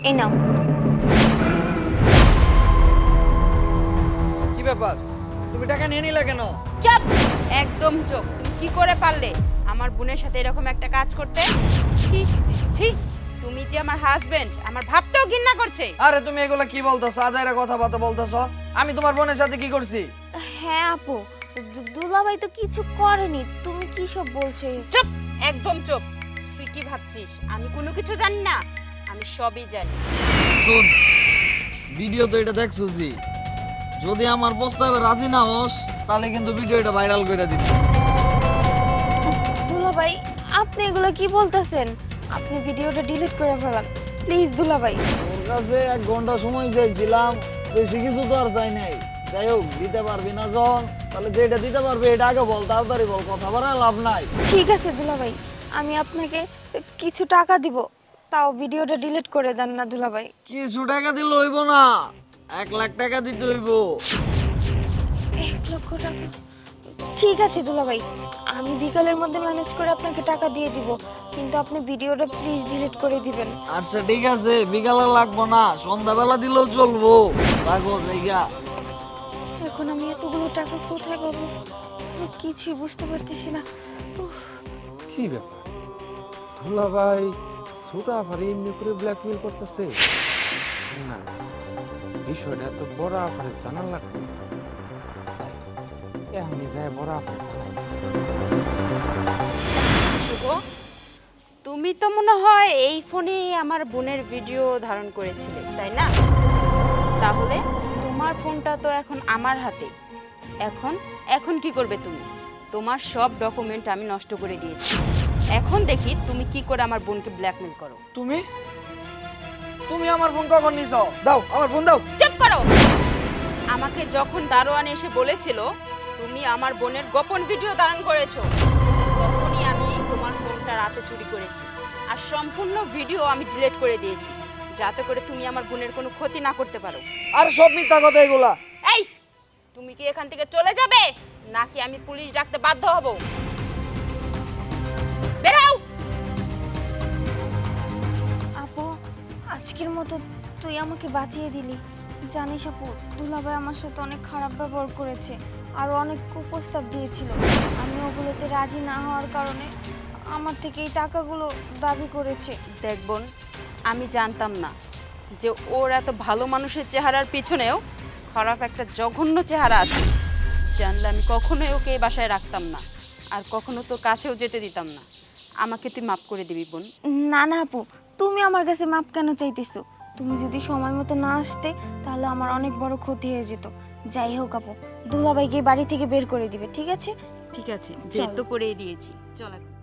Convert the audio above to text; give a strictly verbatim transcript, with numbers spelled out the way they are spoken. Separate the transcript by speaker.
Speaker 1: এই নাও।
Speaker 2: কি ব্যাপার, তুমি টাকা নিয়ে নিলে কেন?
Speaker 3: চুপ, একদম চুপ। তুমি কি করে পারলে আমার বোনের সাথে এরকম একটা কাজ করতে? ছি ছি ছি ছি, তুমি যে আমার হাজবেন্ড, আমার ভাবতেও ঘৃণা করছে।
Speaker 2: আরে তুমি এগুলা কি বলতেছো? আজাইরা কথাবার্তা বলতেছো। আমি তোমার বোনের সাথে কি করছি?
Speaker 1: হ্যাঁ আপু, দু- দুলাভাই তো কিছু করেনি, তুমি কি সব বলছো?
Speaker 3: চুপ, একদম চুপ। তুই কি ভাবছিস আমি কোনো কিছু জানি না? আমি সবই জানি।
Speaker 4: শোন, ভিডিও তো এটা দেখছোসি, যদি আমার প্রস্তাবে রাজি না হস তাহলে কিন্তু ভিডিওটা ভাইরাল করে দিবি।
Speaker 1: দুলাভাই, আপনি এগুলো কি বলতেছেন? আপনি ভিডিওটা ডিলিট করে ফেলান প্লিজ দুলাভাই।
Speaker 4: তোর কাছে এক ঘন্টা সময় চাইছিলাম, বেশি কিছু তো আর চাই নাই। যাই হোক, দিতে পারবি না যখন, তাহলে যেটা দিতে পারবি এটা আগে বল, তাড়াতাড়ি বল, কথা বাড়ায় লাভ নাই।
Speaker 1: ঠিক আছে দুলাভাই, আমি আপনাকে কিছু টাকা দিব, তাও ভিডিওটা ডিলিট করে দেন না দুলাভাই।
Speaker 4: কিছু টাকা দিলে হইব না, এক লাখ টাকা দিতে হইব।
Speaker 1: এক লক্ষ টাকা? ঠিক আছে দুলাভাই, আমি বিকালের মধ্যে ম্যানেজ করে আপনাকে টাকা দিয়ে দিব, কিন্তু আপনি ভিডিওটা প্লিজ ডিলিট করে দিবেন।
Speaker 4: আচ্ছা ঠিক আছে, বিকালে লাগবো না, সন্ধ্যাবেলা দিলেও চলবো। রাখো জায়গা।
Speaker 1: এখন আমি এতগুলো টাকা কোথায় পাবো? আমি কিছুই বুঝতে পারতেছি না। উফ,
Speaker 5: কি ব্যাপার, ধুলা ভাই ছোটা আফারে এমনি করে ব্ল্যাকমেল করতেছে? না, বিষয়টা তো বড় আফারে জানার লাগবে। যাই, এখনই যায় বড় আফারে জানাই।
Speaker 3: শুভ, তুমি তো মনে হয় এই ফোনে আমার বোনের ভিডিও ধারণ করেছিলে, তাই না? তাহলে তোমার ফোনটা তো এখন আমার হাতে। এখন এখন কি করবে তুমি? তোমার সব ডকুমেন্ট আমি নষ্ট করে দিয়েছি। এখন দেখি তুমি কি করে আমার বোনকে ব্ল্যাকমেল করো।
Speaker 2: তুমি তুমি আমার ফোন কখন নিছো? দাও আমার ফোন দাও।
Speaker 3: চুপ করো। আমাকে যখন দারোয়ান এসে বলেছিল তুমি আমার বোনের গোপন ভিডিও ধারণ করেছো, তখনই আমি তোমার ফোনটা রাতে চুরি করেছি আর সম্পূর্ণ ভিডিও আমি ডিলিট করে দিয়েছি, যাতে করে তুমি আমার বোনের কোনো ক্ষতি না করতে পারো।
Speaker 2: আর সব মিথ্যা কথা এগুলা।
Speaker 3: এই, তুমি কি এখান থেকে চলে যাবে নাকি আমি পুলিশ ডাকতে বাধ্য হব? বের হও।
Speaker 1: আপু, আজকের মতো তুই আমাকে বাঁচিয়ে দিলি। জানিস আপু, দুলাভাই আমার সাথে অনেক খারাপ ব্যবহার করেছে আর অনেক কুপ্রস্তাব দিয়েছিল। আমি ওগুলোতে রাজি না হওয়ার কারণে আমার থেকে এই টাকাগুলো দাবি করেছে।
Speaker 3: দেখ বোন, আমি জানতাম না যে ওর এত ভালো মানুষের চেহারার পিছনেও খারাপ একটা জঘন্য চেহারা আছে। জানলে আমি কখনোই ওকে এই বাসায় রাখতাম না আর কখনো তোর কাছেও যেতে দিতাম না। আমাকে তুই মাফ করে দিবি বোন।
Speaker 1: না না আপু, তুমি আমার কাছে মাপ কেন চাইতেছো? তুমি যদি সময় মতো না আসতে তাহলে আমার অনেক বড় ক্ষতি হয়ে যেত। যাই হোক আপু, দুলাভাইকে বাড়ি থেকে বের করে দিবে, ঠিক আছে?
Speaker 3: ঠিক আছে,
Speaker 1: চল।
Speaker 3: যেহেতু করেই দিয়েছি, চল এখন।